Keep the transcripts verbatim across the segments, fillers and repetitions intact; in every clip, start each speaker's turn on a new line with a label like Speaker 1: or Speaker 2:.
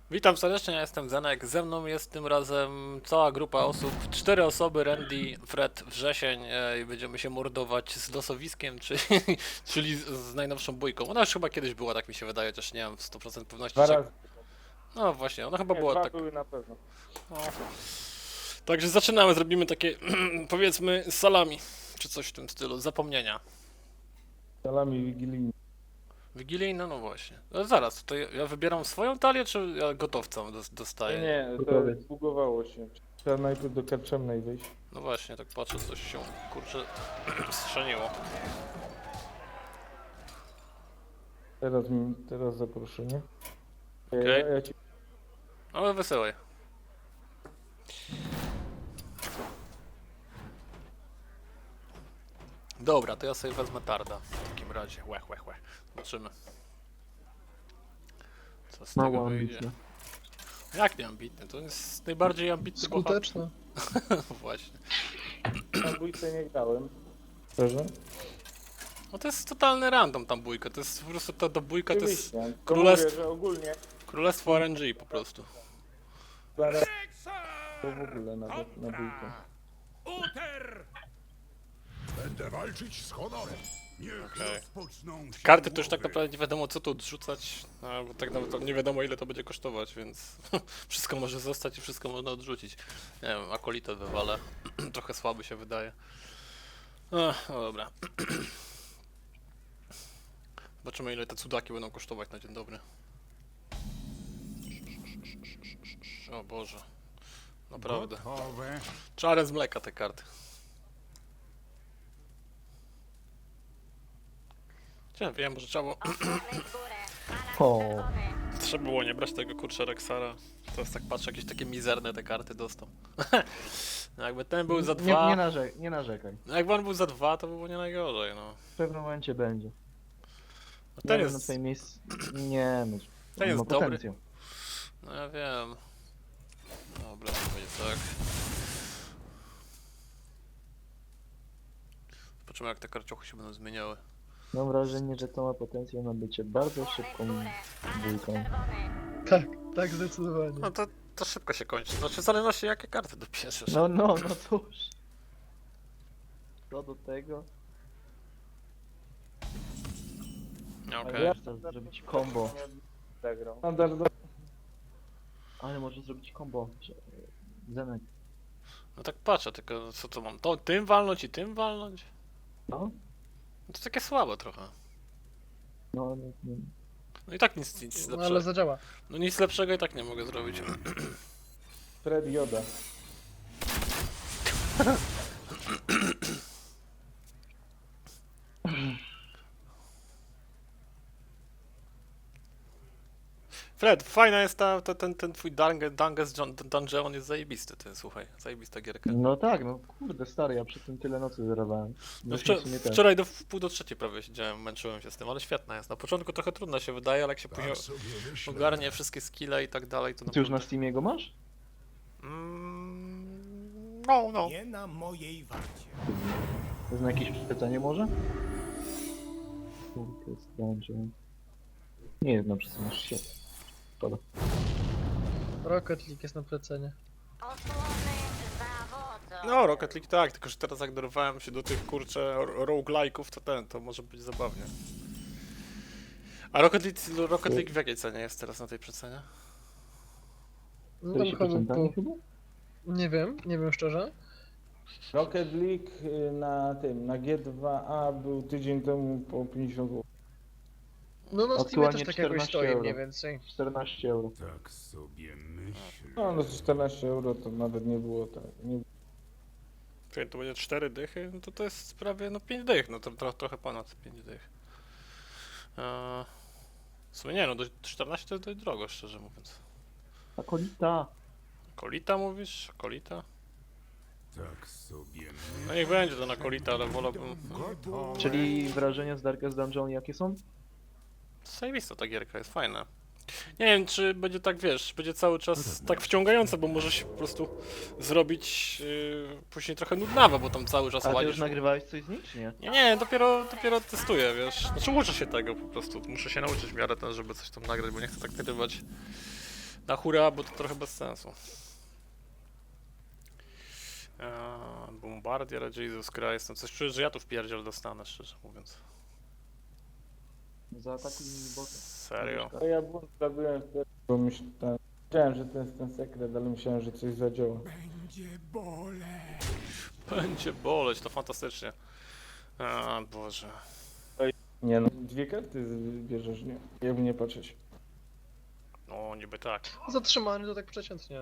Speaker 1: Witam serdecznie, ja jestem Zenek. Ze mną jest tym razem cała grupa osób, cztery osoby, Randy, Fred, Wrzesień e, i będziemy się mordować z losowiskiem, czyli, czyli z, z najnowszą bójką. Ona już chyba kiedyś była, tak mi się wydaje, też nie mam w sto procent pewności.
Speaker 2: Dwa
Speaker 1: Czy...
Speaker 2: razy.
Speaker 1: No właśnie, ona chyba
Speaker 2: Nie,
Speaker 1: była
Speaker 2: dwa
Speaker 1: tak.
Speaker 2: były na pewno.
Speaker 1: No. Także zaczynamy, zrobimy takie powiedzmy salami, czy coś w tym stylu, zapomnienia.
Speaker 2: Salami wigilijne.
Speaker 1: Wigilijne, no właśnie. Ale zaraz, to ja ja wybieram swoją talię, czy ja gotowcą dos-
Speaker 2: Nie,
Speaker 1: dostaję?
Speaker 2: nie, to
Speaker 3: Gotowiec.
Speaker 2: zbugowało się. Trzeba najpierw do karczemnej wyjść.
Speaker 1: No właśnie, tak patrzę, coś się, kurczę, strzeliło.
Speaker 2: Teraz mi, teraz zaproszenie.
Speaker 1: Okej.
Speaker 2: Ja, ja ci...
Speaker 1: Ale wesołej. Dobra, to ja sobie wezmę tarda w takim razie. Łech, łech, łech. Zobaczymy. Co z tego
Speaker 3: Mało
Speaker 1: wyjdzie.
Speaker 3: ambitne.
Speaker 1: Jak nie ambitny? To jest najbardziej ambitny
Speaker 3: Skuteczne.
Speaker 1: bohater. Właśnie.
Speaker 2: Na bójce nie grałem. Szczerze?
Speaker 1: No to jest totalny random tam bójka. To jest po prostu ta, ta bójka to jest
Speaker 2: Oczywiście. To
Speaker 1: królestwo-
Speaker 2: mówię, że ogólnie
Speaker 1: królestwo R N G po prostu.
Speaker 2: zaraz to w ogóle nawet na bójkę.
Speaker 4: Uter! Będę walczyć z honorem. Niech
Speaker 1: Okej.
Speaker 4: rozpoczną się
Speaker 1: Karty to już tak
Speaker 4: głowy.
Speaker 1: naprawdę nie wiadomo co tu odrzucać, no, bo tak naprawdę nie wiadomo ile to będzie kosztować, więc wszystko może zostać i wszystko można odrzucić. Nie wiem, akolitę wywalę, trochę słaby się wydaje. Ach, no dobra. Zobaczymy ile te cudaki będą kosztować na dzień dobry. O Boże. Naprawdę.
Speaker 4: Gotowe.
Speaker 1: Czarne z mleka te karty. Ja wiem, może trzeba było,
Speaker 3: O,
Speaker 1: trzeba było nie brać tego kurczę Rexara. Teraz tak patrzę, jakieś takie mizerne te karty dostał. No jakby ten był za
Speaker 3: nie,
Speaker 1: dwa,
Speaker 3: nie, narze nie narzekaj.
Speaker 1: no jakby on był za dwa, to by było nie najgorzej, no.
Speaker 3: W pewnym momencie będzie.
Speaker 1: No
Speaker 3: Ja
Speaker 1: ten
Speaker 3: bym na
Speaker 1: jest,
Speaker 3: twoim miejscu... Nie, no.
Speaker 1: ten jest
Speaker 3: ma
Speaker 1: dobry.
Speaker 3: potencjał.
Speaker 1: No ja wiem. Dobra, to będzie tak. Zobaczymy jak te karciochy się będą zmieniały.
Speaker 3: Mam wrażenie, że to ma potencjał na bycie bardzo szybką bójką.
Speaker 5: Tak, tak zdecydowanie.
Speaker 1: No to, to szybko się kończy. Znaczy w zależności jakie karty dobierzesz.
Speaker 3: No, no, no cóż. Co do tego?
Speaker 1: Okej.
Speaker 3: Ale można zrobić combo.
Speaker 2: Zagrał. Standardowo.
Speaker 3: Ale można zrobić combo. że- Zenek.
Speaker 1: No tak patrzę, tylko co to mam? To tym walnąć i tym walnąć?
Speaker 3: No?
Speaker 1: No to takie słabe trochę.
Speaker 3: No, no, no.
Speaker 1: No i tak nic, nic
Speaker 5: No ale
Speaker 1: lepszego.
Speaker 5: zadziała.
Speaker 1: No nic lepszego i tak nie mogę zrobić.
Speaker 2: Fred Joda.
Speaker 1: Fred, fajna jest ta, ta, ten, ten twój Dunge- Dungeon Dun- Dungeon jest zajebisty, ty, słuchaj, zajebista gierka.
Speaker 3: No tak, no kurde stary, ja przy tym tyle nocy zerowałem.
Speaker 1: No
Speaker 3: Myśmy
Speaker 1: wczor-
Speaker 3: w sumie też.
Speaker 1: wczoraj do w pół do trzeciej prawie siedziałem, męczyłem się z tym, ale świetna jest. Na początku trochę trudno się wydaje, ale jak się później
Speaker 4: Tak sobie myślę.
Speaker 1: ogarnie wszystkie skille i tak dalej, to
Speaker 3: Ty już na
Speaker 1: naprawdę...
Speaker 3: Steamie go masz?
Speaker 1: Mm, no, no.
Speaker 4: Nie na mojej warcie.
Speaker 3: To jest na jakieś przecenie może? Kurde, dungeon. Nie jest na przecenie, się. Szkoda.
Speaker 5: Rocket League jest na plecenie.
Speaker 1: No, Rocket League tak, tylko że teraz jak dorwałem się do tych kurcze ro- roguelike'ów, to ten, to może być zabawnie. A Rocket League, Rocket League w jakiej cenie jest teraz na tej przecenie?
Speaker 5: No tam
Speaker 3: czterdzieści
Speaker 5: chyba,
Speaker 3: procent
Speaker 5: po,
Speaker 3: chyba?
Speaker 5: nie wiem, nie wiem szczerze.
Speaker 2: Rocket League y, na tym, na G dwa A był tydzień temu po pięćdziesiąt złotych.
Speaker 5: No na Steamie
Speaker 3: Aktualnie
Speaker 5: też tak jakoś
Speaker 3: czternaście
Speaker 5: stoi
Speaker 3: euro.
Speaker 5: mniej więcej.
Speaker 3: czternaście euro.
Speaker 4: Tak sobie myślę.
Speaker 2: No, no czternaście euro to nawet nie było tak. Nie...
Speaker 1: Czyli to będzie cztery dychy, no to to jest prawie no pięć dych, no to tro, trochę ponad pięć dych. Eee, w sumie nie no, do czternaście to jest dość drogo, szczerze mówiąc.
Speaker 3: Akolita.
Speaker 1: Kolita mówisz? Kolita?
Speaker 4: Tak sobie
Speaker 1: No
Speaker 4: myślę.
Speaker 1: niech będzie to na Kolita, ale wolałbym...
Speaker 4: Gotowe.
Speaker 3: Czyli wrażenia z Darkest Dungeon jakie są?
Speaker 1: Zajebista ta gierka, jest fajna. Nie wiem, czy będzie tak, wiesz, będzie cały czas tak wciągająca, bo może się po prostu zrobić yy, później trochę nudnawa, bo tam cały czas
Speaker 3: A ty już
Speaker 1: łazisz.
Speaker 3: nagrywałeś coś z nich, czy nie?
Speaker 1: Nie, nie, dopiero, dopiero testuję, wiesz. Znaczy uczę się tego po prostu, muszę się nauczyć w miarę ten, żeby coś tam nagrać, bo nie chcę tak nagrywać Na hura, bo to trochę bez sensu. Eee, Bombardier, Jesus Christ, no coś czuję, że ja tu w pierdziel dostanę, szczerze mówiąc.
Speaker 3: Zaatakuj mi bota.
Speaker 1: Serio?
Speaker 2: To ja błąd zrobiłem wtedy, bo myślałem, wiedziałem, że to jest ten sekret, ale myślałem, że coś zadziała.
Speaker 4: Będzie boleć.
Speaker 1: Będzie boleć, to fantastycznie. A Boże.
Speaker 2: Nie no, dwie karty z- bierzesz, nie? Jakby nie patrzeć.
Speaker 1: No, niby tak.
Speaker 5: Zatrzymany to tak przeciętnie.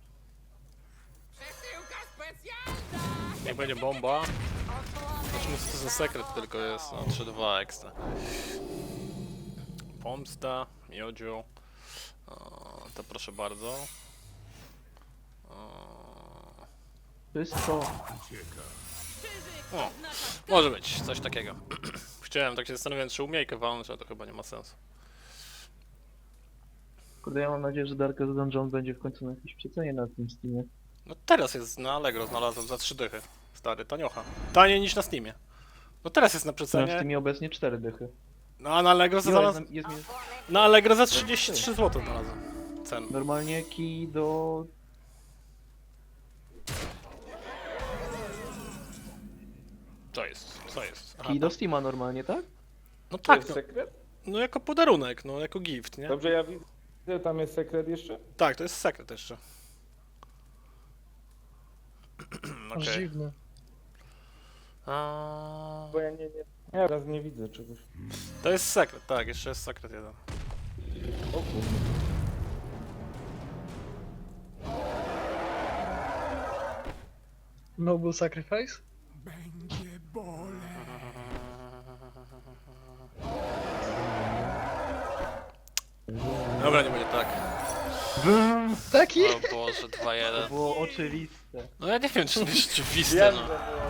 Speaker 1: Niech będzie bomba. Zobaczmy, co to za sekret tylko jest. No, trzy dwa ekstra. Pomsta, miodzio. O, to proszę bardzo. O,
Speaker 3: Wszystko.
Speaker 1: o, może być, coś takiego. Chciałem, tak się zastanawiałem, czy umiejkę walnąć, ale to chyba nie ma sensu.
Speaker 3: Kurde, ja mam nadzieję, że Darkest Dungeon będzie w końcu na jakieś przecenie na tym Steamie.
Speaker 1: No teraz jest na Allegro, znalazłem za trzy dychy. Stary, taniocha. Taniej niż na Steamie. No teraz jest na
Speaker 3: Na
Speaker 1: przecenie.
Speaker 3: Steamie obecnie cztery dychy.
Speaker 1: No a na Allegro za,
Speaker 3: Jo, jest,
Speaker 1: znalaz...
Speaker 3: jest, jest
Speaker 1: na Allegro za trzydzieści trzy złote znalazłem. Cen.
Speaker 3: normalnie key do...
Speaker 1: Co jest? Co jest? Aha,
Speaker 3: Key do Steama normalnie, tak?
Speaker 1: no
Speaker 2: To
Speaker 1: tak,
Speaker 2: jest
Speaker 1: no,
Speaker 2: sekret?
Speaker 1: no jako podarunek, no jako gift, nie?
Speaker 2: Dobrze, ja widzę, tam jest sekret jeszcze?
Speaker 1: Tak, to jest sekret jeszcze.
Speaker 5: Aż
Speaker 1: Okej.
Speaker 5: dziwne.
Speaker 1: A,
Speaker 2: Bo ja nie, nie, ja teraz nie widzę czegoś.
Speaker 1: To jest sekret, tak, jeszcze jest sekret jeden.
Speaker 2: O kurde.
Speaker 5: Noble Sacrifice?
Speaker 4: Będzie boleć.
Speaker 1: Dobra, nie będzie tak.
Speaker 5: Taki?
Speaker 1: O Boże, dwa
Speaker 3: To
Speaker 1: jeden.
Speaker 3: było oczywiste.
Speaker 1: No ja nie wiem, czy to jest rzeczywiste,
Speaker 2: Wiem,
Speaker 1: no.
Speaker 2: że było.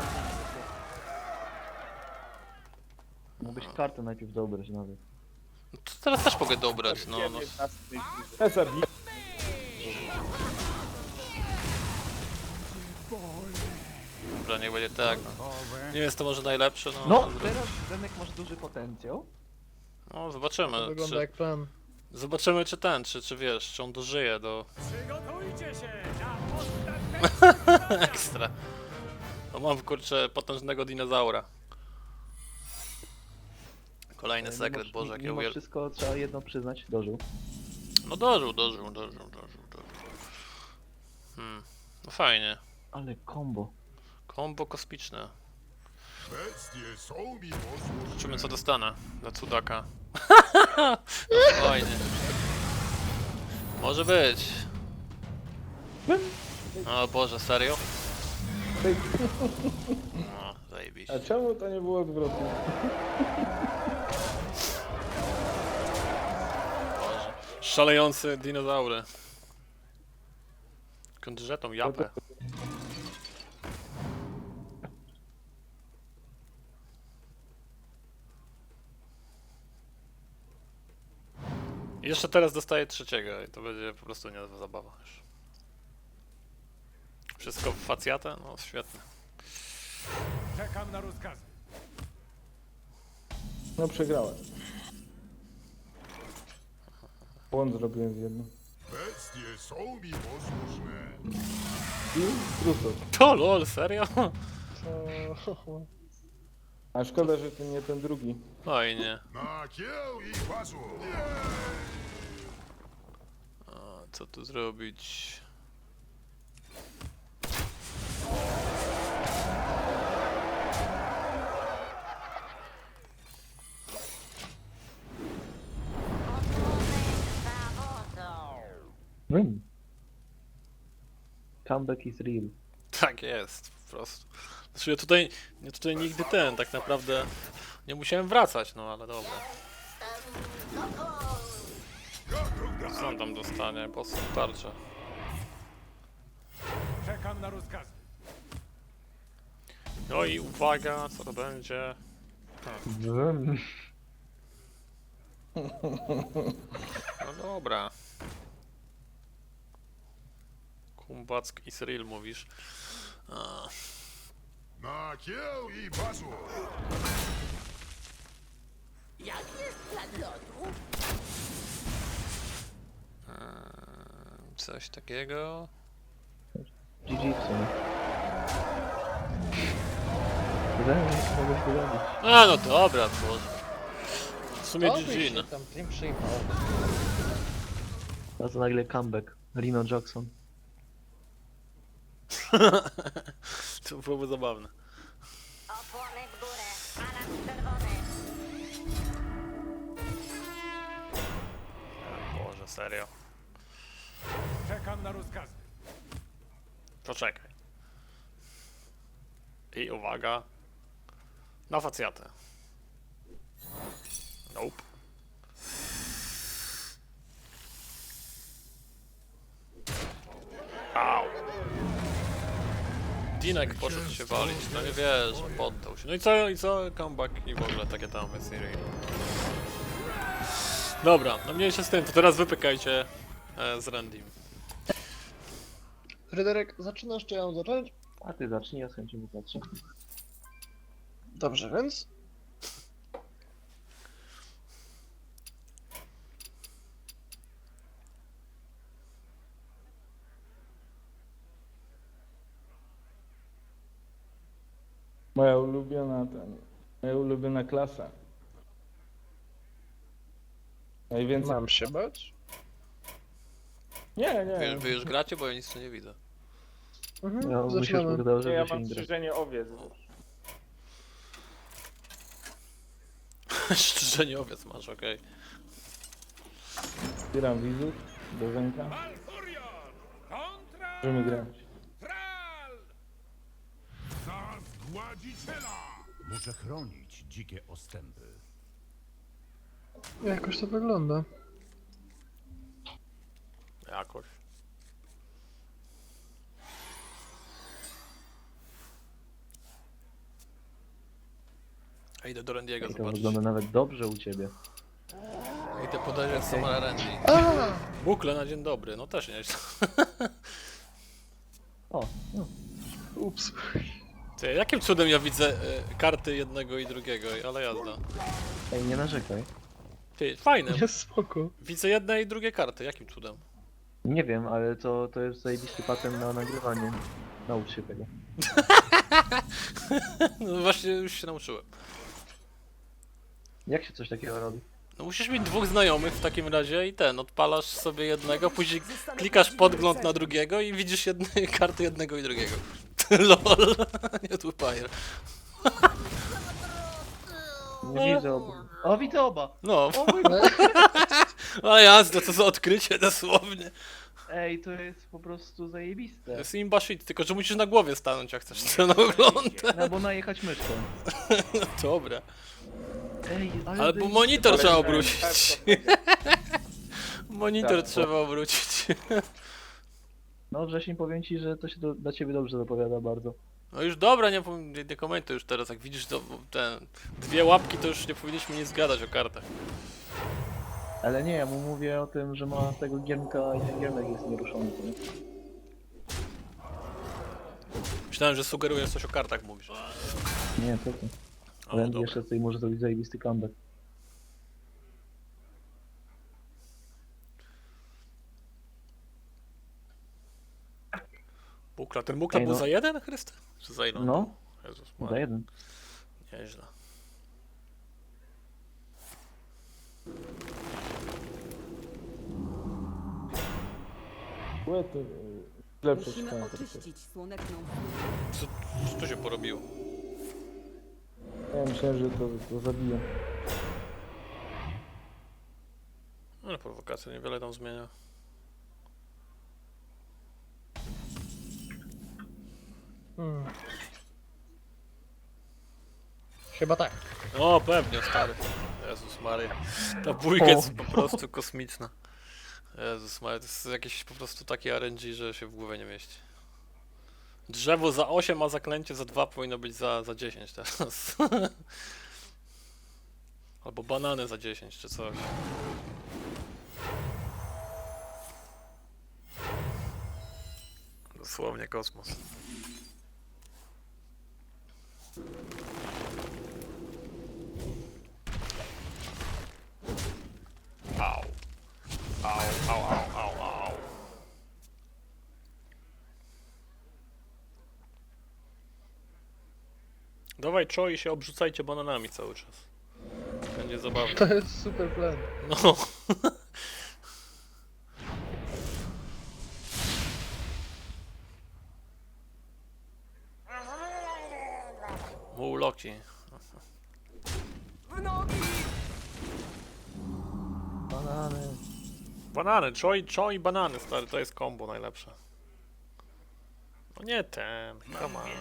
Speaker 3: Mógłbyś kartę najpierw dobrać nawet.
Speaker 1: No to teraz też mogę dobrać, no. no.
Speaker 2: Ja zabiję.
Speaker 1: Dobra, niech będzie tak, no. Nie jest to może najlepsze, no.
Speaker 3: No,
Speaker 1: ale-
Speaker 3: teraz Zenek masz duży potencjał.
Speaker 1: No, zobaczymy,
Speaker 5: To wygląda
Speaker 1: czy,
Speaker 5: jak plan.
Speaker 1: zobaczymy czy ten, czy, czy wiesz, czy on dożyje do
Speaker 4: Przygotujcie się na ostatnie.
Speaker 1: ekstra. No mam kurczę potężnego dinozaura. Kolejny
Speaker 3: Ale
Speaker 1: sekret,
Speaker 3: mimo-
Speaker 1: Boże, jak ja
Speaker 3: Mimo
Speaker 1: uwiel...
Speaker 3: wszystko trzeba jedno przyznać, dożył.
Speaker 1: No dożył, dożył, dożył, dożył, dożył. Hmm, no fajnie.
Speaker 3: Ale combo.
Speaker 1: Kombo kosmiczne.
Speaker 4: Bestie są mi posłuszne.
Speaker 1: Zobaczymy co dostanę dla cudaka. Fajnie. Może być. O Boże, serio? No, zajebiście.
Speaker 2: A czemu to nie było odwrotnie?
Speaker 1: Boże. Szalejący dinozaury. Skądże tą japę? I jeszcze teraz dostaję trzeciego i to będzie po prostu niezła zabawa już. Wszystko w facjatę? No świetnie.
Speaker 4: Czekam na rozkazy.
Speaker 2: No przegrałem. Błąd zrobiłem z jednym.
Speaker 4: Bestie są mi posłuszne.
Speaker 2: I trufał.
Speaker 1: To lol, serio?
Speaker 5: O,
Speaker 2: A szkoda, że to nie ten drugi.
Speaker 1: Fajnie.
Speaker 4: Na kieł i pasu.
Speaker 1: A, co tu zrobić?
Speaker 3: Win. Comeback is real.
Speaker 1: Tak jest, po prostu. Znaczy ja tutaj, ja tutaj nigdy ten, tak naprawdę nie musiałem wracać, no ale dobra. Co on tam dostanie? Po co tarcza?
Speaker 4: Czekam na rozkazy.
Speaker 1: No i uwaga, co to będzie?
Speaker 3: Win.
Speaker 1: No dobra. Kumback Israel mówisz. A,
Speaker 4: Na kieł i pasu.
Speaker 1: eee, coś takiego.
Speaker 3: G G w sumie. Wydaje mi się, że mogę się zabić.
Speaker 1: A no dobra, bo w sumie
Speaker 5: Oby
Speaker 1: G G,
Speaker 5: się
Speaker 1: no.
Speaker 5: tam tym przyjmał.
Speaker 3: A to nagle comeback. Rino Jackson.
Speaker 1: To byłoby zabawne.
Speaker 6: Opłony w górę. Alarm czerwony.
Speaker 1: Boże, serio.
Speaker 4: Czekam na rozkazy.
Speaker 1: Poczekaj. I uwaga. Na facjatę. Nope. Au. Dinek poszedł się walić, no nie wiesz, poddał się. No i co, i co? Comeback i w ogóle takie tam jest serii. Dobra, no mniejsza z tym, to teraz wypykajcie e, z Randym.
Speaker 5: Fryderyk, zaczynasz czy ja mam zacząć?
Speaker 3: A ty zacznij, ja z chęcią popatrzę.
Speaker 5: Dobrze, więc...
Speaker 2: Moja ulubiona ten, moja ulubiona klasa. Najwięcej...
Speaker 5: Mam się bać?
Speaker 2: Nie, nie.
Speaker 1: Wy, wy już gracie, bo ja nic tu nie widzę.
Speaker 5: Mhm,
Speaker 3: Ja musisz
Speaker 5: zaczynamy.
Speaker 3: wydało,
Speaker 2: Nie,
Speaker 3: żeby
Speaker 2: ja
Speaker 3: się
Speaker 2: mam
Speaker 3: nie grać.
Speaker 2: strzyżenie owiec.
Speaker 1: Szczerze owiec masz, okej.
Speaker 2: Zbieram widzów do ręka.
Speaker 4: Malfurion! Kontra!
Speaker 2: Możemy grać.
Speaker 4: Tral! Za zgładziciela!
Speaker 7: Muszę chronić dzikie ostępy.
Speaker 5: Jakoś to wygląda.
Speaker 1: Jakoś. Ja idę do Randiego
Speaker 3: I to
Speaker 1: zobaczyć.
Speaker 3: wygląda nawet dobrze u ciebie.
Speaker 1: Idę podejrzeć Samara Randy.
Speaker 5: A!
Speaker 1: Bukle na dzień dobry, no też nie jest.
Speaker 3: O, no.
Speaker 5: Ups.
Speaker 1: Ty, jakim cudem ja widzę e, karty jednego i drugiego, ale jazda.
Speaker 3: Ej, nie narzekaj.
Speaker 1: Ty, fajne.
Speaker 5: Jest spoko.
Speaker 1: Widzę jedne i drugie karty, jakim cudem?
Speaker 3: Nie wiem, ale to, to jest zajebisty patent na nagrywanie. Naucz się tego.
Speaker 1: No właśnie już się nauczyłem.
Speaker 3: Jak się coś takiego robi?
Speaker 1: No musisz mieć dwóch znajomych w takim razie i ten, odpalasz sobie jednego, później klikasz podgląd na drugiego i widzisz jedne, karty jednego i drugiego. Lol, nie tupajer.
Speaker 3: Nie widzę obu. O, widzę oba!
Speaker 1: No,
Speaker 3: O mój Boże!
Speaker 1: ale jazda, to za odkrycie dosłownie.
Speaker 3: Ej, to jest po prostu
Speaker 1: To
Speaker 3: zajebiste.
Speaker 1: jest imba shit, tylko że musisz na głowie stanąć jak chcesz ten ogląd.
Speaker 3: Albo najechać myszką.
Speaker 1: Dobra.
Speaker 3: Ej, ale
Speaker 1: Albo
Speaker 3: zajebiste
Speaker 1: monitor
Speaker 3: patent.
Speaker 1: trzeba obrócić. Monitor
Speaker 2: Tak,
Speaker 1: trzeba obrócić.
Speaker 3: No wrzesień, powiem ci, że to się do, dla ciebie dobrze zapowiada bardzo.
Speaker 1: No już dobra, nie, powiem- nie, nie komentuj już teraz, jak widzisz to, te dwie łapki, to już nie powinniśmy nic gadać o kartach.
Speaker 3: Ale nie, ja mu mówię o tym, że ma tego giermka i ten giermek jest nieruszony. co nie?
Speaker 1: Myślałem, że sugerujesz coś o kartach, mówisz.
Speaker 3: Nie, co ty.
Speaker 1: O,
Speaker 3: Randy
Speaker 1: dobra.
Speaker 3: jeszcze tutaj może zrobić zajebisty comeback.
Speaker 1: Bukla, ten bukla
Speaker 3: Ej,
Speaker 1: był
Speaker 3: no.
Speaker 1: za jeden, Chryste? Czy za ile?
Speaker 3: No,
Speaker 1: Jezus
Speaker 3: za
Speaker 1: Maria,
Speaker 3: jeden.
Speaker 1: nieźle.
Speaker 2: Łety, y, źle
Speaker 8: Musimy
Speaker 2: przeczytałem.
Speaker 8: oczyścić słoneczną
Speaker 1: Co, co tu się porobiło?
Speaker 2: Ja myślałem, że to, to zabiję.
Speaker 1: No, prowokacja niewiele tam zmienia.
Speaker 5: Hmm. Chyba tak.
Speaker 1: O, pewnie, stary. Jezus Maria. Ta bójka
Speaker 3: O.
Speaker 1: jest po prostu kosmiczna. Jezus Maria, to jest jakieś po prostu takie R N G, że się w głowę nie mieści. Drzewo za osiem, a zaklęcie za dwa powinno być za, za dziesięć teraz. Albo banany za dziesięć, czy coś. Dosłownie kosmos. Au. Au, au, au, au, au. Dawaj Cho i się obrzucajcie bananami cały czas. Będzie zabawnie.
Speaker 5: To jest super plan.
Speaker 1: No. Mu Loki.
Speaker 3: Banany.
Speaker 1: Banany, Cho i, Cho i banany, stary, to jest combo najlepsze. No nie ten, come on.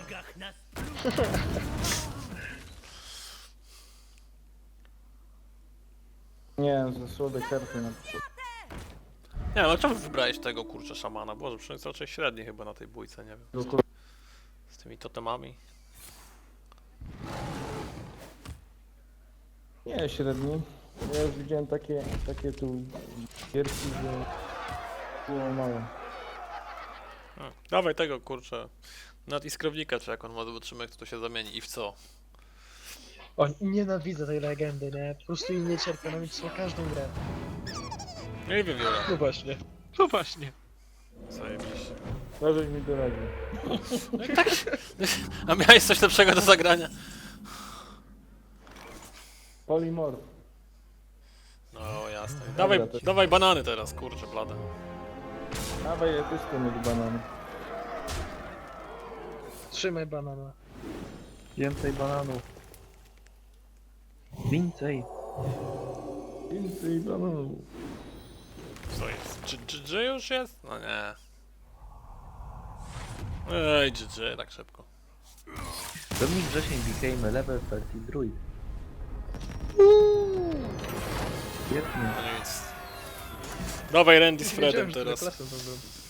Speaker 2: Nie, ze słabe karty na przykład.
Speaker 1: Nie, no czemu wybrałeś tego kurczę szamana? Boże, przecież jest raczej średni chyba na tej bójce, nie wiem.
Speaker 2: Tylko
Speaker 1: Z tymi totemami.
Speaker 2: nie, średni. Ja już widziałem takie, takie tu gierki, że było mało.
Speaker 1: A, dawaj tego kurczę. Nad iskrownika, czy jak on ma, zobaczymy jak to się zamieni i w co.
Speaker 5: O, nienawidzę tej legendy, nie? Po prostu jej nie cierpię, ona mi psuła każdą grę.
Speaker 1: Nie wiem, Wiola.
Speaker 5: No właśnie. No właśnie.
Speaker 1: Zajebiście.
Speaker 2: To żeś mi doradził.
Speaker 1: A miałeś coś lepszego do zagrania?
Speaker 2: Polimorf.
Speaker 1: No jasne. Dawaj,
Speaker 2: Dobra, to-
Speaker 1: dawaj banany teraz, kurczę, blade.
Speaker 2: Dawaj, ja też chcę mieć banany.
Speaker 5: Trzymaj banana.
Speaker 3: Więcej bananów. Więcej.
Speaker 2: Więcej bananów.
Speaker 1: Co jest? Czy G G już jest? No nie. Ej, G G, tak szybko.
Speaker 3: Dominik Wrzesień became a level thirty druid. Świetnie.
Speaker 1: No nic. Dawaj Randy z
Speaker 5: Wiedziałem,
Speaker 1: Fredem
Speaker 5: że tyle
Speaker 1: teraz.
Speaker 5: klasy to zrobi.